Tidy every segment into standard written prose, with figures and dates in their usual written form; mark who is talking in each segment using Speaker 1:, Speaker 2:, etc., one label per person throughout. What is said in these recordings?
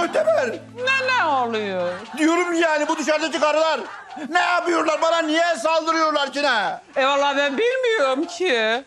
Speaker 1: Muhteber.
Speaker 2: Ne oluyor?
Speaker 1: Diyorum yani bu dışarıdaki karılar ne yapıyorlar? Bana niye saldırıyorlar ki ne?
Speaker 2: Vallahi ben bilmiyorum ki.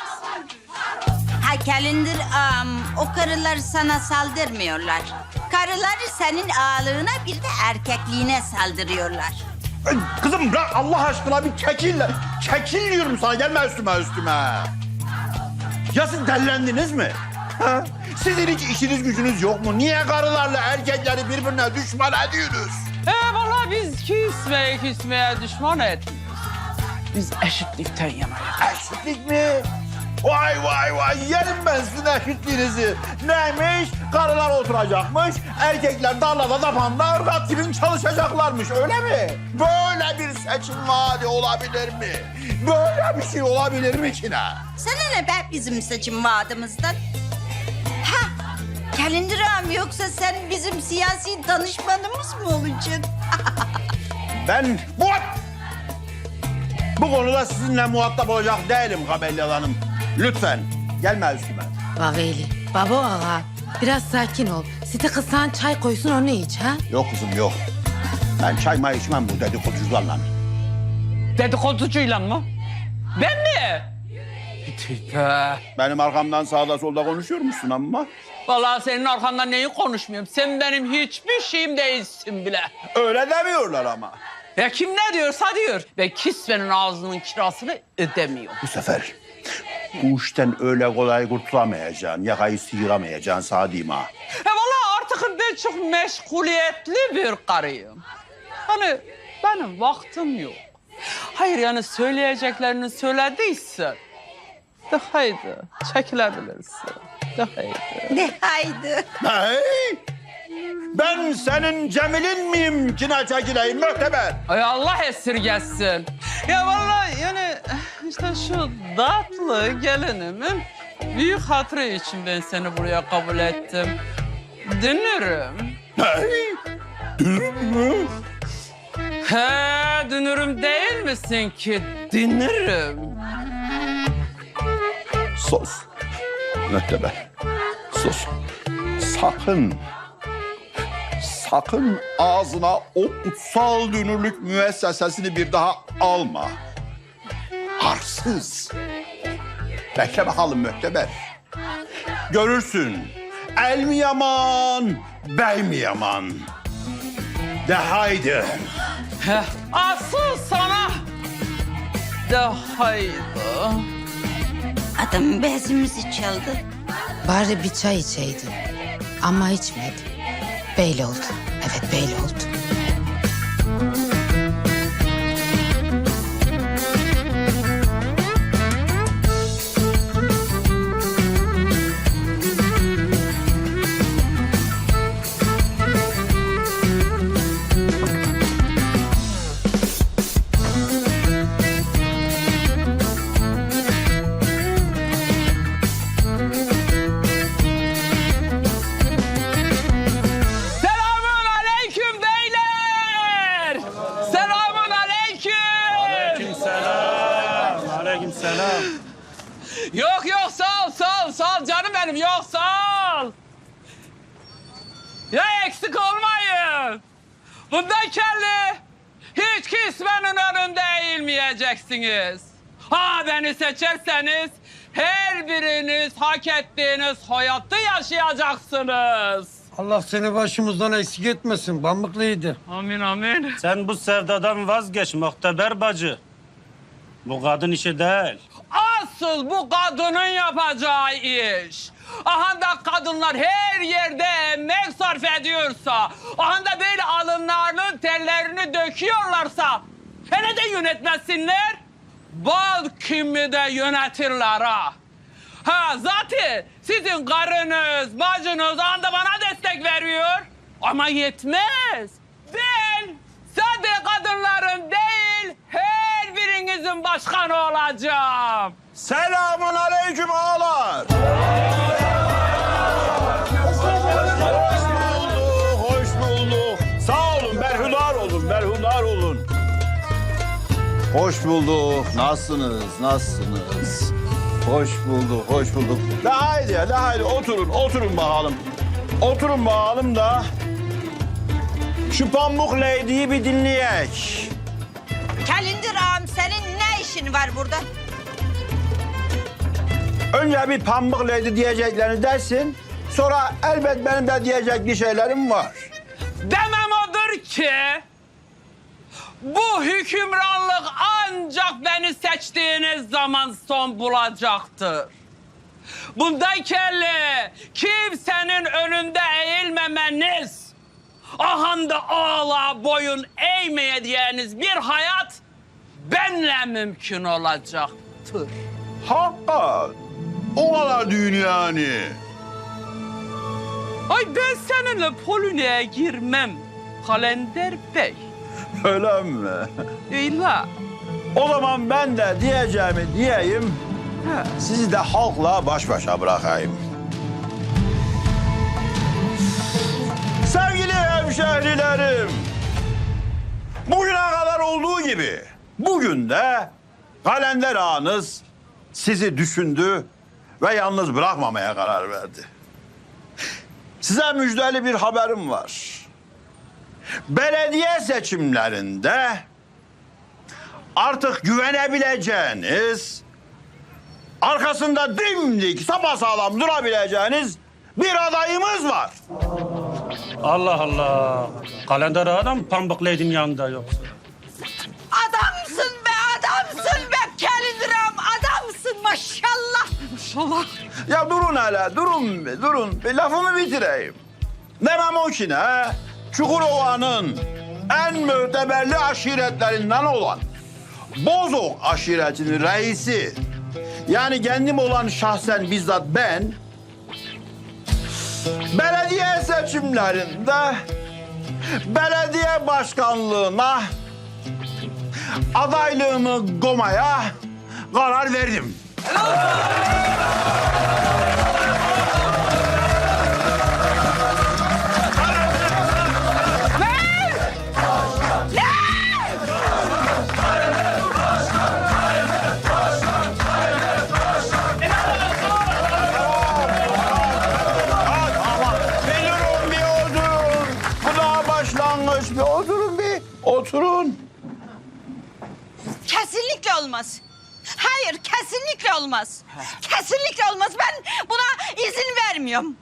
Speaker 3: Ha Kalender o karılar sana saldırmıyorlar. Karılar senin ağalığına bir de erkekliğine saldırıyorlar.
Speaker 1: Kızım bırak Allah aşkına bir çekil. Çekil diyorum sana, gelme üstüme. Ya siz dellendiniz mi? Ha? Sizin hiç işiniz gücünüz yok mu? Niye karılarla erkekleri birbirine düşman ediyorsunuz?
Speaker 2: Vallahi biz küsmeye düşman etmiyoruz. Biz eşitlikten yanayız.
Speaker 1: Eşitlik mi? Vay yerim ben sizin eşitliğinizi. Neymiş? Karılar oturacakmış, erkekler tarlada tapanda ırgat gibi çalışacaklarmış, öyle mi? Böyle bir seçim vaadi olabilir mi? Böyle bir şey olabilir mi ki ne?
Speaker 3: Sana ne be bizim seçim vaadimizden? Ha Kalender yoksa sen bizim siyasi danışmanımız mı olacaksın?
Speaker 1: Ben bu konuda sizinle muhatap olacak değilim Kabelli Hanım. Lütfen gelme üstüme.
Speaker 4: Vaveli, baba ağa. Biraz sakin ol. Site kızsan çay koysun onu iç ha.
Speaker 1: Yok kızım yok. Ben çay may içmem bu dedikoducularla.
Speaker 2: Dedikoducuyla mı? Ben mi? Tüh.
Speaker 1: Benim arkamdan sağda solda konuşuyor musun ama?
Speaker 2: Vallahi senin arkandan neyi konuşmuyorum? Sen benim hiçbir şeyim değilsin bile.
Speaker 1: Öyle demiyorlar ama.
Speaker 2: Ya kim ne diyorsa diyor. Ve kisvenin ağzının kirasını ödemiyor.
Speaker 1: Bu sefer bu işten öyle kolay kurtulamayacaksın. Yakayı sıyıramayacaksın sağ diyeyim ha.
Speaker 2: Vallahi artık ben çok meşguliyetli bir karıyım. Hani benim vaktim yok. Hayır yani söyleyeceklerini söylediysen de haydi çekilebilirsin. De haydi.
Speaker 3: De haydi.
Speaker 1: Hey! Ben senin Cemil'in miyim ki ne çekileyim Möhteber?
Speaker 2: Ay Allah esirgesin. Ya vallahi yani işte şu tatlı gelinimin büyük hatırı için ben seni buraya kabul ettim. Dünürüm.
Speaker 1: Hey! Dünür mü?
Speaker 2: He dünürüm değil misin ki? Dünürüm.
Speaker 1: Sus. Möhteber. Sus. Sakın ağzına o kutsal dünürlük müessesesini bir daha alma. Arsız. Bekle bakalım Möhteber. Görürsün. El mi yaman, bey mi yaman? De haydi.
Speaker 2: Heh, asıl sana de haydi.
Speaker 3: Adam bezimizi çaldı.
Speaker 4: Bari bir çay içeydin. Ama içmedi. Böyle oldu. Evet böyle oldu.
Speaker 2: Selamun aleyküm beyler. Selamun aleyküm.
Speaker 5: Aleykümselam.
Speaker 2: Yok sağ ol canım benim yok sağ ol. Ya eksik olmayın. Bundan kelli hiç kismenin önünde eğilmeyeceksiniz. Ha beni seçerseniz her biriniz hak ettiğiniz hayatı yaşayacaksınız.
Speaker 5: Allah seni başımızdan eksik etmesin. Pamuklu'ydu.
Speaker 2: Amin amin.
Speaker 6: Sen bu sevdadan vazgeç Muhteber bacı. Bu kadın işi değil.
Speaker 2: Asıl bu kadının yapacağı iş. Aha da kadınlar her yerde emek sarf ediyorsa, aha da böyle alınlarının tellerini döküyorlarsa, hele de yönetmesinler, bal kimi de yönetirler ha. Ha zaten sizin karınız, bacınız anda bana destek veriyor. Ama yetmez. Ben sadece kadınların değil, her birinizin başkanı olacağım.
Speaker 1: Selamun aleyküm ağalar. Hoş bulduk. Sağ olun, berhudar olun. Hoş bulduk. Nasılsınız? Hoş bulduk. De haydi oturun bakalım. Oturun bakalım da Şu Pamuk Lady'yi bir dinleyek.
Speaker 3: Kalender ağam senin ne işin var burada?
Speaker 1: Önce bir Pamuk Lady diyeceklerini dersin. Sonra elbet benim de diyecek bir şeylerim var.
Speaker 2: Demem odur ki bu hükümranlık ancak beni seçtiğiniz zaman son bulacaktır. Bundan kelli kimsenin önünde eğilmemeniz, ahanda ağla boyun eğmeyeceğiniz bir hayat benle mümkün olacaktır.
Speaker 1: Hakikat. O kadar düğün yani.
Speaker 2: Ay ben seninle Polonya'ya girmem Kalender Bey.
Speaker 1: Öyle mi?
Speaker 2: Öyle.
Speaker 1: O zaman ben de diyeceğimi diyeyim. Sizi de halkla baş başa bırakayım. Sevgili hemşehrilerim, bugüne kadar olduğu gibi bugün de Kalender ağanız sizi düşündü ve yalnız bırakmamaya karar verdi. Size müjdeli bir haberim var. Belediye seçimlerinde artık güvenebileceğiniz, arkasında dimdik, sapasağlam durabileceğiniz bir adayımız var.
Speaker 6: Allah Allah. Kalender adam Pamuk Lady'nin yanında yoksa.
Speaker 3: Adamsın be adamsın be Kalender ağam adamsın maşallah.
Speaker 2: İnşallah.
Speaker 1: Ya durun hele, durun bir, durun. Bir lafımı bitireyim. Demem o ki ne? Çukurova'nın en müteberli aşiretlerinden olan Bozok aşiretinin reisi, yani kendim olan şahsen bizzat ben, belediye seçimlerinde belediye başkanlığına adaylığımı koymaya karar verdim. Bir oturun. Bu daha başlangıç. Bir oturun bir. Oturun.
Speaker 3: Kesinlikle olmaz. Hayır kesinlikle olmaz. Kesinlikle olmaz. Ben buna izin vermiyorum.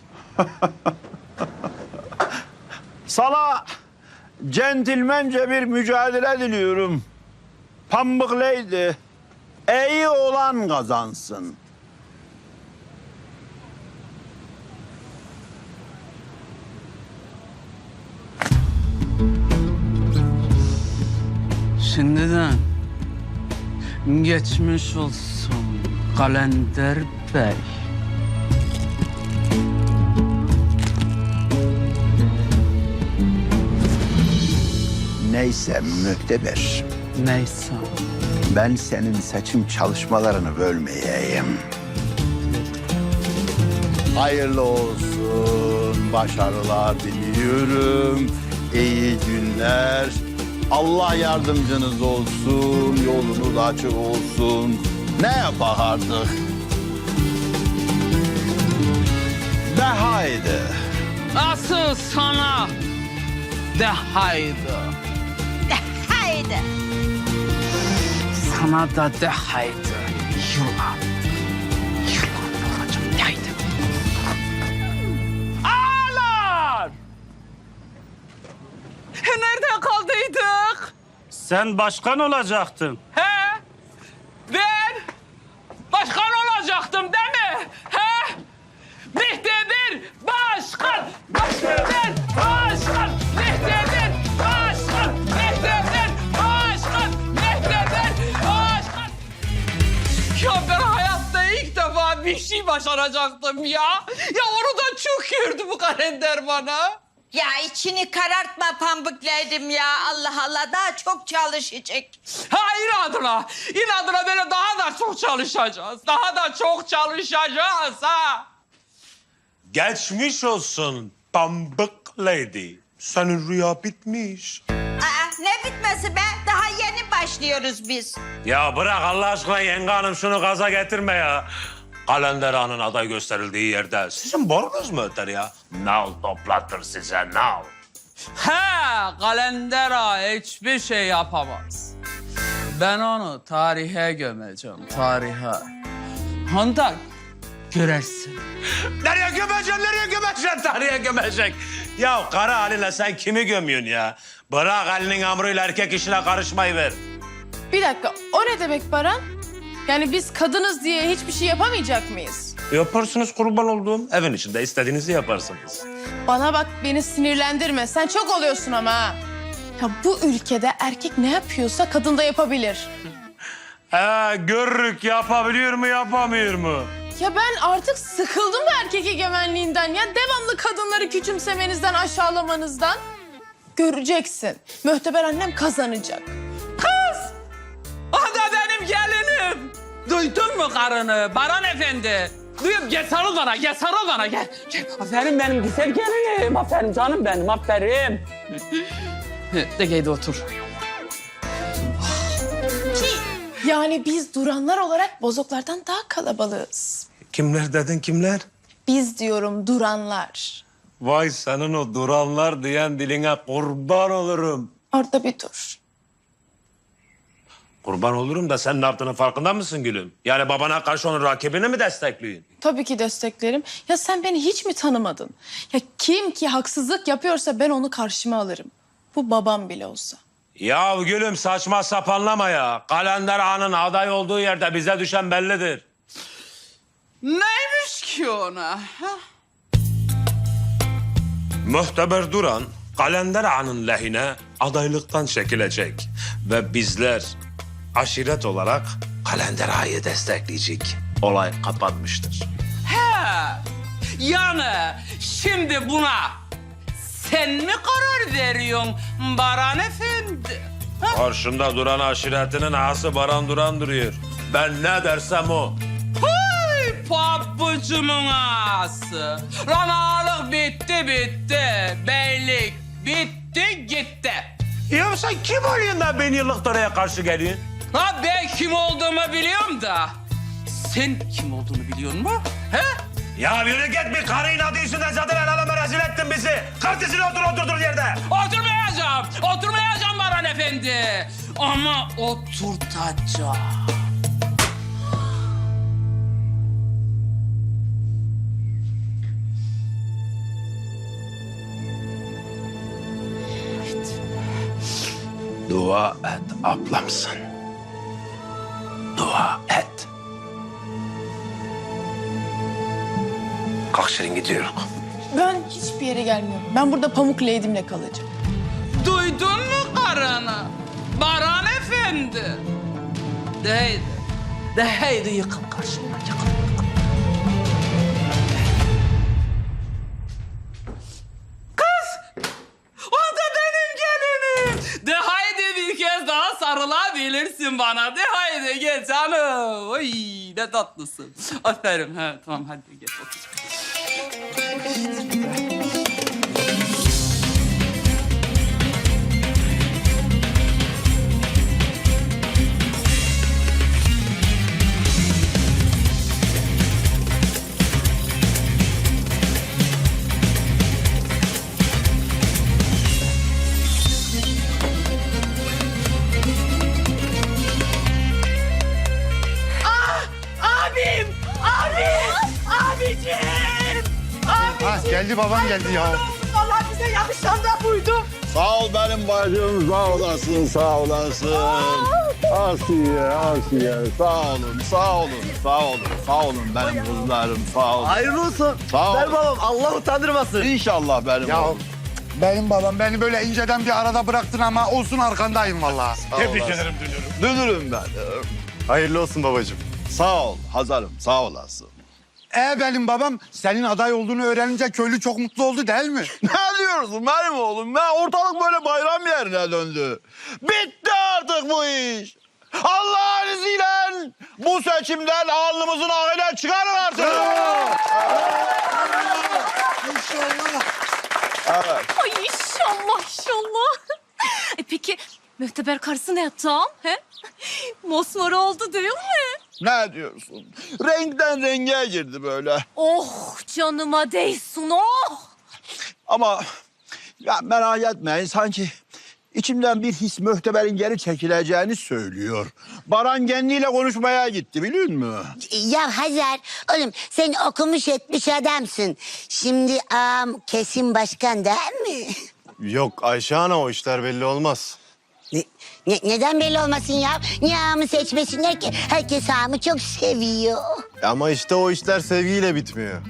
Speaker 1: Sana centilmence bir mücadele diliyorum. Pamuk Lady, iyi olan kazansın.
Speaker 2: Şimdiden geçmiş olsun Kalender Bey.
Speaker 1: Neyse müteber,
Speaker 2: Neyse.
Speaker 1: ben senin seçim çalışmalarını bölmeyeyim. Hayırlı olsun, başarılar diliyorum, iyi günler. Allah yardımcınız olsun, yolunuz açık olsun. Ne yapak artık? De haydi.
Speaker 2: Asıl sana de haydi.
Speaker 3: Haydi.
Speaker 2: Sana da de haydi. Yılan. Yılan olacağım de haydi. Ağlar! Nerede kaldıydık?
Speaker 6: Sen başkan olacaktın.
Speaker 2: He? Ben başkan olacaktım değil mi? He? Mehter başkan! Mehter başkan! Mehter başkan! Mehter başkan! Mehter başkan! Ya ben hayatta ilk defa bir şey başaracaktım ya. Ya onu da çok gördü bu kalender bana.
Speaker 3: Ya içini karartma Pambıklaydım ya. Allah Allah daha çok çalışacak.
Speaker 2: Ha inadına böyle daha da çok çalışacağız. Daha da çok çalışacağız ha.
Speaker 7: Geçmiş olsun Pamuk Lady. Senin rüya bitmiş.
Speaker 3: Aa, ne bitmesi be? Daha yeni başlıyoruz biz.
Speaker 7: Ya bırak Allah aşkına yenge hanım şunu gaza getirme ya. Kalender Ağa'nın aday gösterildiği yerde sizin borunuz mu öter ya? Nal toplatır size nal.
Speaker 2: Kalendera hiçbir şey yapamaz. Ben onu tarihe gömeceğim, tarihe. Handan, görersin.
Speaker 7: Nereye gömeceksin, tarihe gömecek. Ya kara haline sen kimi gömüyorsun ya? Bırak Ali'nin amrıyla erkek işine karışmayı ver.
Speaker 8: Bir dakika, o ne demek Baran? Yani biz kadınız diye hiçbir şey yapamayacak mıyız?
Speaker 7: Yaparsınız kurban olduğum. Evin içinde istediğinizi yaparsınız.
Speaker 8: Bana bak, beni sinirlendirme. Sen çok oluyorsun ama ha. Ya bu ülkede erkek ne yapıyorsa kadın da yapabilir.
Speaker 7: Görürük yapabiliyor mu yapamıyor mu?
Speaker 8: Ya ben artık sıkıldım bu erkek egemenliğinden. Ya devamlı kadınları küçümsemenizden, aşağılamanızdan. Göreceksin. Mühteber annem kazanacak.
Speaker 2: O da benim gelinim. Duydun mu karını Baran Efendi? Duyup gel sarıl bana, gel sarıl bana, gel. Gel. Aferin benim güzel gelinim, aferin canım benim, aferin. De geydi otur.
Speaker 8: Yani biz duranlar olarak bozoklardan daha kalabalığız.
Speaker 7: Kimler dedin kimler?
Speaker 8: Biz diyorum duranlar.
Speaker 7: Vay senin o duranlar diyen diline kurban olurum.
Speaker 8: Orada bir dur.
Speaker 7: Kurban olurum da sen ne yaptığının farkında mısın gülüm? Yani babana karşı onun rakibini mi destekliyorsun?
Speaker 8: Tabii ki desteklerim. Ya sen beni hiç mi tanımadın? Ya kim ki haksızlık yapıyorsa ben onu karşıma alırım. Bu babam bile olsa.
Speaker 7: Ya gülüm saçma sapanlama ya. Kalender Ağa'nın aday olduğu yerde bize düşen bellidir.
Speaker 2: Neymiş ki ona? Ha?
Speaker 7: Muhteber Duran, Kalender Ağa'nın lehine adaylıktan çekilecek. Ve bizler aşiret olarak Kalender Ağa'yı destekleyecek. Olay kapanmıştır.
Speaker 2: Yani şimdi buna sen mi karar veriyorsun Baran Efendi?
Speaker 7: Karşında duran aşiretinin ağası Baran Duran duruyor. Ben ne dersem o.
Speaker 2: Ay pabucumun ağası. Ranalık bitti. Beylik bitti gitti.
Speaker 7: Ya sen kim oluyorsun da bin yıllık oraya karşı geliyorsun?
Speaker 2: Ha ben kim olduğumu biliyorum da. Sen kim olduğunu biliyor musun? He?
Speaker 7: Ya yürü git bir karı inadı yüzünden zaten el aleme rezil ettin bizi. Kartesini oturduğun yerde.
Speaker 2: Oturmayacağım Baran Efendi. Ama oturtacağım.
Speaker 7: Dua et ablamsın. Dua et. Kalk Şirin gidiyoruz.
Speaker 8: Ben hiçbir yere gelmiyorum. Ben burada Pamuk Lady'mle kalacağım.
Speaker 2: Duydun mu karını? Baran Efendi. De haydi yıkıl karşıma, yıkıl. Kız! O da benim gelinim. De haydi bir kez daha sarılabilirsin bana. De haydi gel canım. Oy ne tatlısın. Aferin. Ha, tamam hadi gel otur.
Speaker 1: Geldi baban geldi ya.
Speaker 8: Vallahi bize yakışan da buydu.
Speaker 1: Sağ ol benim bacım, sağ olasın, sağ olasın. Asiye, sağ olun benim kızlarım, sağ olun.
Speaker 9: Hayırlı olsun.
Speaker 1: Sağ ol.
Speaker 9: Ver babam, Allah utandırmasın.
Speaker 1: İnşallah benim
Speaker 10: Ya
Speaker 1: oğlum.
Speaker 10: benim babam beni böyle inceden bir arada bıraktın ama olsun arkandayım vallahi.
Speaker 1: Tebrik ederim dünürüm ben.
Speaker 10: Hayırlı olsun babacığım.
Speaker 1: Sağ ol Hazarım, sağ olasın.
Speaker 10: Benim babam senin aday olduğunu öğrenince köylü çok mutlu oldu değil mi?
Speaker 1: Ne diyorsun benim oğlum? Ortalık böyle bayram yerine döndü. Bitti artık bu iş. Allah'ın izniyle bu seçimden alnımızın ağıyla çıkarın artık.
Speaker 10: İnşallah.
Speaker 1: Evet.
Speaker 11: Ay inşallah. Peki mühteber karısı ne yaptı ağam? He? Mosmor oldu değil mi?
Speaker 1: Ne diyorsun? Renkten renge girdi böyle.
Speaker 11: Oh canıma değsin oh.
Speaker 1: Ama Ya merak etmeyin, sanki içimden bir his Möhteber'in geri çekileceğini söylüyor. Baran kendiyle konuşmaya gitti, biliyor musun?
Speaker 3: Ya Hazar, oğlum sen okumuş etmiş adamsın. Şimdi ağam kesin başkan değil mi?
Speaker 12: Yok Ayşe Ana, o işler belli olmaz.
Speaker 3: Neden belli olmasın ya? Niye ağamı seçmesinler ki? Herkes ağamı çok seviyor.
Speaker 12: Ama işte o işler sevgiyle bitmiyor.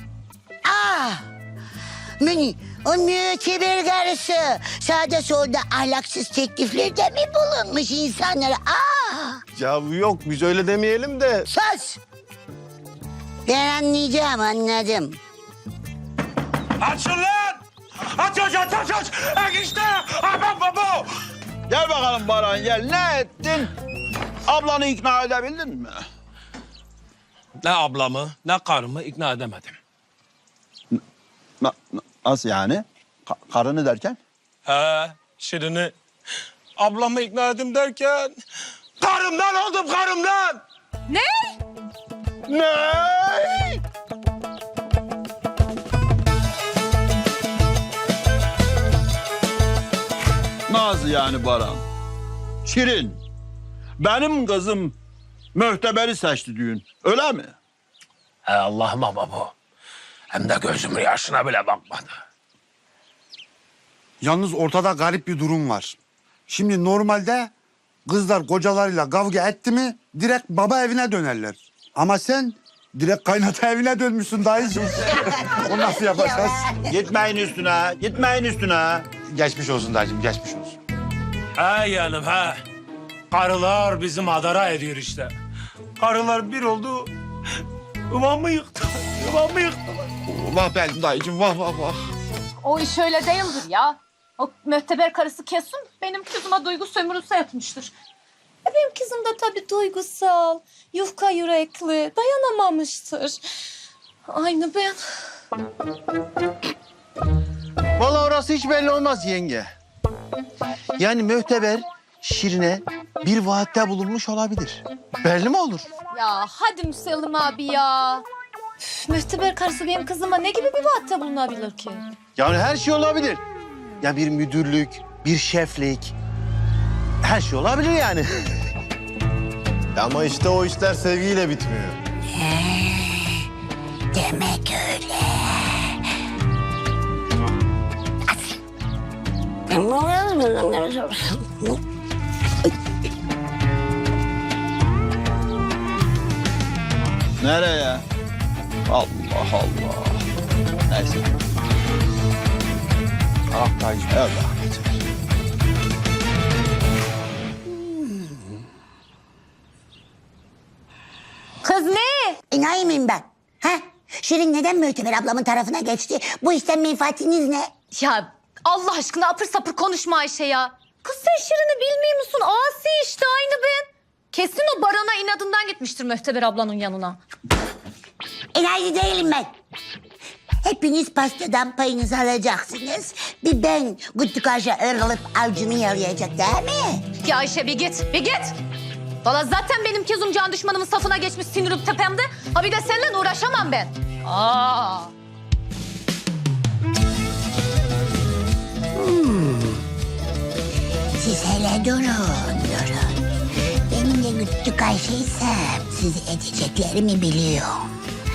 Speaker 3: Beni, o müteber karısı sağda solda ahlaksız tekliflerde mi bulunmuş insanlara?
Speaker 12: Ya yok, biz öyle demeyelim de.
Speaker 3: Sus! Ben anlayacağım, anladım.
Speaker 7: Açın lan! Aç! İşte! Aman baba!
Speaker 1: Gel bakalım Baran, gel. Ne ettin? Ablanı ikna edebildin mi?
Speaker 7: Ne ablamı, ne karımı ikna edemedim.
Speaker 1: Nasıl yani? Karını derken?
Speaker 7: He, Şirin'i. Ablamı ikna edim derken... Karımdan oldum, karımdan!
Speaker 1: Ne? Nasıl yani Baran? Şirin, benim kızım Möhteber'i seçti düğün, öyle mi?
Speaker 7: He Allah'ıma baba. Hem de gözümün yaşına bile bakmadı.
Speaker 10: Yalnız ortada garip bir durum var. Şimdi normalde kızlar kocalarıyla kavga etti mi direkt baba evine dönerler. Ama sen direkt kaynata evine dönmüşsün dayıcığım. O nasıl yapacağız?
Speaker 1: Gitmeyin üstüne.
Speaker 10: Geçmiş olsun dayıcığım, geçmiş olsun.
Speaker 7: He yeğenim he. Karılar bizim adara ediyor işte. Karılar bir oldu. Yuvamı yıktı.
Speaker 10: Vah benim dayıcığım, vah.
Speaker 11: O iş öyle değildir ya. O mühteber karısı kesin benim kızıma duygu sömürüsü yapmıştır. Benim kızım da tabii duygusal, yufka yürekli, dayanamamıştır. Aynı ben.
Speaker 12: Vallahi orası hiç belli olmaz yenge. Yani Möhteber Şirin'e bir vaatte bulunmuş olabilir. Belli mi olur?
Speaker 11: Ya hadi Müsellim abi ya. Üf, mühteber karısı benim kızıma ne gibi bir vaatte bulunabilir ki?
Speaker 12: Yani her şey olabilir. Ya bir müdürlük, bir şeflik. Her şey olabilir yani. Ama işte o işler sevgiyle bitmiyor.
Speaker 3: Demek öyle.
Speaker 1: Nereye? Allah Allah. Neyse.
Speaker 10: Ah dayıcığım.
Speaker 1: Evet.
Speaker 11: Kız ne?
Speaker 3: İnay mıyım ben? Ha? Şirin neden Möhteber ablamın tarafına geçti? Bu işten menfaatiniz ne?
Speaker 11: Ya Allah aşkına apır sapır konuşma Ayşe ya. Kız sen Şirin'i bilmiyor musun? Asi işte aynı ben. Kesin o Baran'a inadından gitmiştir Möhteber ablanın yanına.
Speaker 3: İnaycı değilim ben. Hepiniz pastadan payınızı alacaksınız. Bir ben Güttükaş'a ırılıp avcunu yalayacak değil mi?
Speaker 11: Ya Ayşe bir git. Valla zaten benim kezum can düşmanımın safına geçmiş sinirim tepemde. Ha bir de seninle uğraşamam ben.
Speaker 3: Siz hele durun. Benim de Güttükaş'ıysam sizi edeceklerimi biliyorum.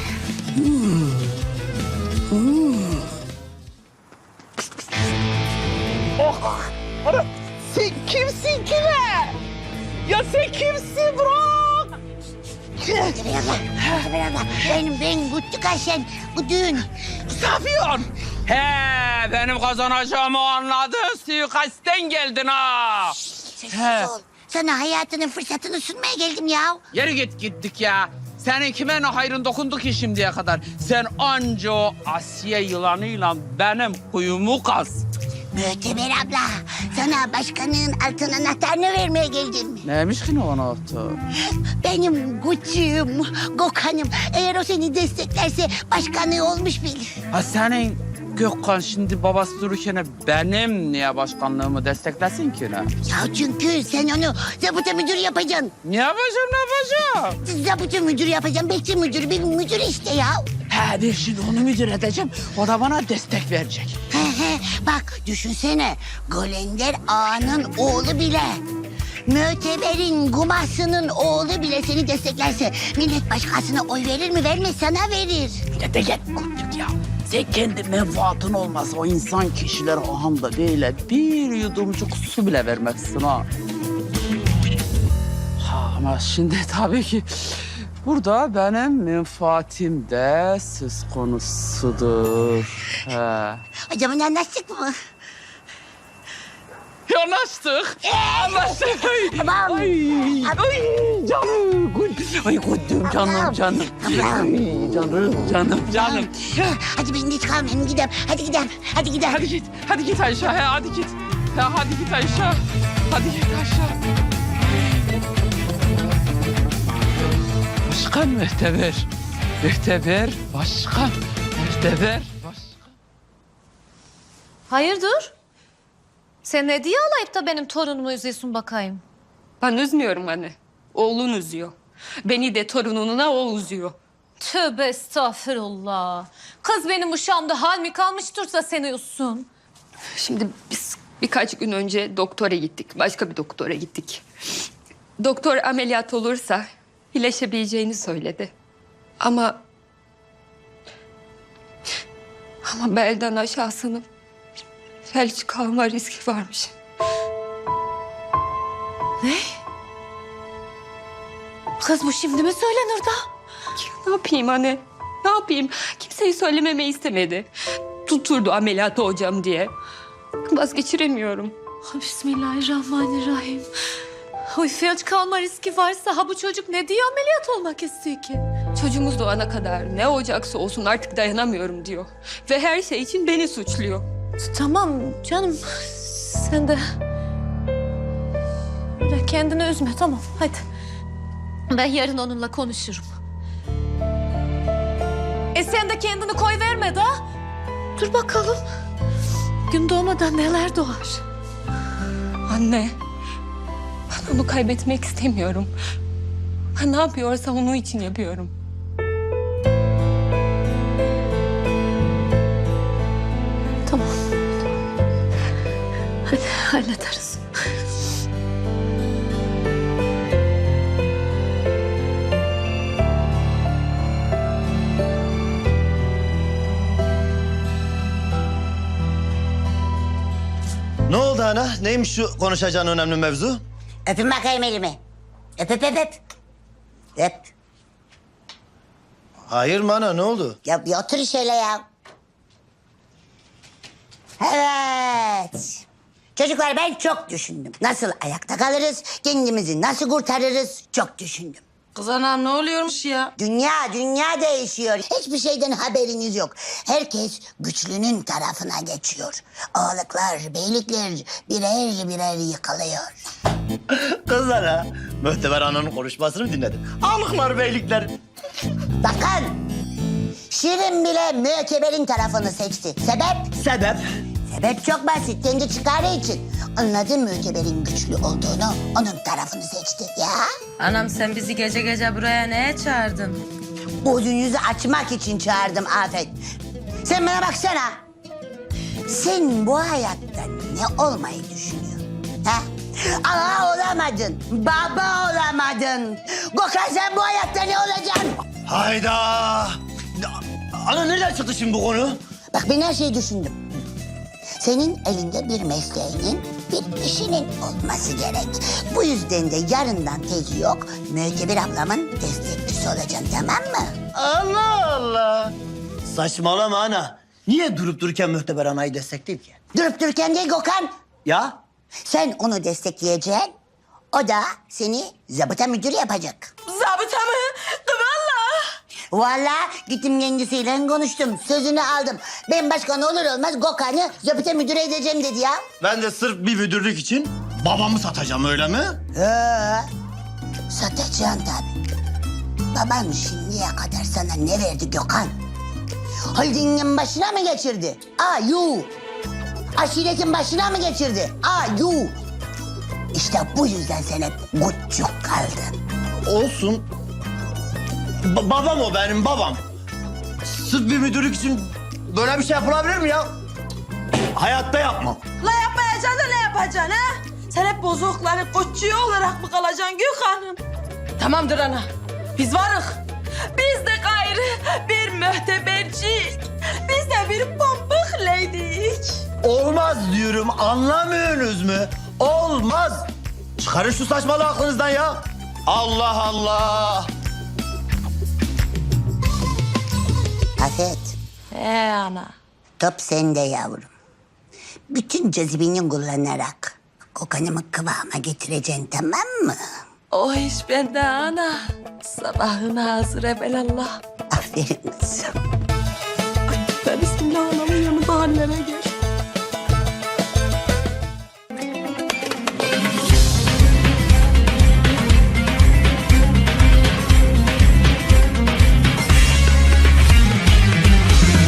Speaker 2: Sen kimsin kime? Ya sen kimsin bırak?
Speaker 3: Möhteber abla. Ben Güttükaş'ın bu düğün.
Speaker 2: Safiyon. He benim kazanacağımı anladın. Suikastten geldin ha.
Speaker 3: Sessiz ol. Sana hayatının fırsatını sunmaya geldim ya.
Speaker 2: Yeri gittik ya. Senin kime ne hayrın dokundu ki şimdiye kadar? Sen anca o Asiye yılanıyla benim kuyumu kaz.
Speaker 3: Möhteber abla, sana başkanın altın anahtarını vermeye geldim.
Speaker 2: Neymiş ki ne ona attı?
Speaker 3: Benim Gucci'm, Gökhan'ım. Eğer o seni desteklerse başkanlığı olmuş bil.
Speaker 2: Ha senin Gökhan şimdi babası dururken benim niye başkanlığımı desteklesin ki ne?
Speaker 3: Ya çünkü sen onu zabıta müdür yapacaksın.
Speaker 2: Ne yapacağım?
Speaker 3: Zabıta müdür yapacaksın, bekçi müdür, bir müdür işte ya.
Speaker 2: He ben şimdi onu müdür edeceğim. O da bana destek verecek.
Speaker 3: Bak düşünsene. Golender Ağa'nın oğlu bile. Müteber'in gumasının oğlu bile seni desteklerse millet başkasına oy verir mi? Vermez, sana verir.
Speaker 2: De git Kutluk ya. Sen kendi menfaatın olmasa o insan kişiler ahanda böyle bir yudumcuk su bile vermezsin ha. Ama şimdi tabii ki burada benim menfaatim de söz konusudur. He.
Speaker 3: Hocam anlaştık mı?
Speaker 2: Anlaştık. Anlaştık.
Speaker 3: Tamam.
Speaker 2: Ay canım. Ay Kutlum canım. Ay canım.
Speaker 3: Hadi ben geç kalmayayım, gidelim. Hadi gidelim.
Speaker 2: Hadi git Ayşe. Hadi git. Hadi git Ayşe. Hadi git Ayşe. Başkan Mühteber. Başkan.
Speaker 11: Hayırdır? Sen ne diye alayıp da benim torunumu üzüyorsun bakayım?
Speaker 13: Ben üzmüyorum anne. Oğlun üzüyor. Beni de torununa o üzüyor.
Speaker 11: Tövbe estağfurullah. Kız benim uşağımda hal mi kalmıştırsa seni üzsün.
Speaker 13: Şimdi biz birkaç gün önce doktora gittik. Başka bir doktora gittik. Doktor ameliyat olursa iyileşebileceğini söyledi. Ama belden aşağısının felç kalma riski varmış.
Speaker 11: Ne? Kız bu şimdi mi söylenir da?
Speaker 13: Ne yapayım anne? Ne yapayım? Kimseyi söylememeyi istemedi. Tuturdu ameliyat olacağım diye. Vazgeçiremiyorum.
Speaker 11: Bismillahirrahmanirrahim. Oy felç kalma riski varsa ha bu çocuk ne diye ameliyat olmak istiyor ki?
Speaker 13: Çocuğumuz doğana kadar ne olacaksa olsun artık dayanamıyorum diyor. Ve her şey için beni suçluyor.
Speaker 11: Tamam canım sen de öyle kendini üzme tamam hadi. Ben yarın onunla konuşurum. Sen de kendini koy verme da. Dur bakalım. Gün doğmadan neler doğar.
Speaker 13: Anne, ben onu kaybetmek istemiyorum. Ben ne yapıyorsa onun için yapıyorum.
Speaker 11: Tamam. Hadi hallederiz.
Speaker 12: Ne oldu ana? Neymiş şu konuşacağın önemli mevzu?
Speaker 3: Öpün bakayım elimi. Öp. Öp.
Speaker 12: Hayır mı ana, ne oldu?
Speaker 3: Ya bir otur şöyle ya. Evet. Çocuklar ben çok düşündüm. Nasıl ayakta kalırız, kendimizi nasıl kurtarırız çok düşündüm.
Speaker 4: Kız anam ne oluyormuş ya?
Speaker 3: Dünya değişiyor. Hiçbir şeyden haberiniz yok. Herkes güçlünün tarafına geçiyor. Ağalıklar, beylikler birer yıkılıyor.
Speaker 12: Kız ana, Mühteber ananın konuşmasını mı dinledin? Alıklar, beylikler.
Speaker 3: Bakın, Şirin bile Müteber'in tarafını seçti. Sebep? Sebep çok basit. Kendi çıkarı için. Anladın mı Müteber'in güçlü olduğunu? Onun tarafını seçti ya.
Speaker 4: Anam sen bizi gece gece buraya neye çağırdın?
Speaker 3: Uzun yüzü açmak için çağırdım Afet. Sen bana baksana. Sen bu hayatta ne olmayı düşünüyorsun? Ha? Ana olamadın, baba olamadın. Gökhan sen bu hayatta ne olacaksın?
Speaker 12: Hayda! Ana nereden çıktı şimdi bu konu?
Speaker 3: Bak ben her şeyi düşündüm. Senin elinde bir mesleğinin, bir işinin olması gerek. Bu yüzden de yarından tezi yok, Müteber ablamın destekçisi olacaksın, tamam mı?
Speaker 12: Allah Allah! Saçmalama ana. Niye durup dururken Mühteber anayı destekleyeyim ki?
Speaker 3: Durup dururken değil Gökhan.
Speaker 12: Ya?
Speaker 3: Sen onu destekleyeceksin, o da seni zabıta müdürü yapacak.
Speaker 4: Zabıta mı?
Speaker 3: Vallahi gittim kendisiyle konuştum, sözünü aldım. Ben başkan olur olmaz Gökhan'ı zabıta müdürü edeceğim dedi ya.
Speaker 12: Ben de sırf bir müdürlük için babamı satacağım, öyle mi?
Speaker 3: Satacaksın tabii. Baban şimdiye kadar sana ne verdi Gökhan? Holdingin başına mı geçirdi? Aşiretin başına mı geçirdi? İşte bu yüzden sen hep gutçuk kaldın.
Speaker 12: Olsun. Babam o, benim babam. Sırf bir müdürlük için böyle bir şey yapılabilir mi ya?
Speaker 9: Hayatta yapmam.
Speaker 14: La yapmayacaksın da ne yapacaksın ha? Sen hep bozukların koççuyu olarak mı kalacaksın Gökhan'ım? Tamamdır ana. Biz varık. Biz de gayrı bir mühtebercik. Biz de bir pambık leydik.
Speaker 9: Olmaz diyorum, anlamıyorsunuz mu? Olmaz. Çıkarın şu saçmalığı aklınızdan ya. Allah Allah.
Speaker 3: Afet,
Speaker 14: Ana.
Speaker 3: top sende yavrum. Bütün cazibini kullanarak kokanımı kıvama getireceksin, tamam mı?
Speaker 14: O iş bende ana. Sabahına hazır evelallah.
Speaker 3: Aferin kızım.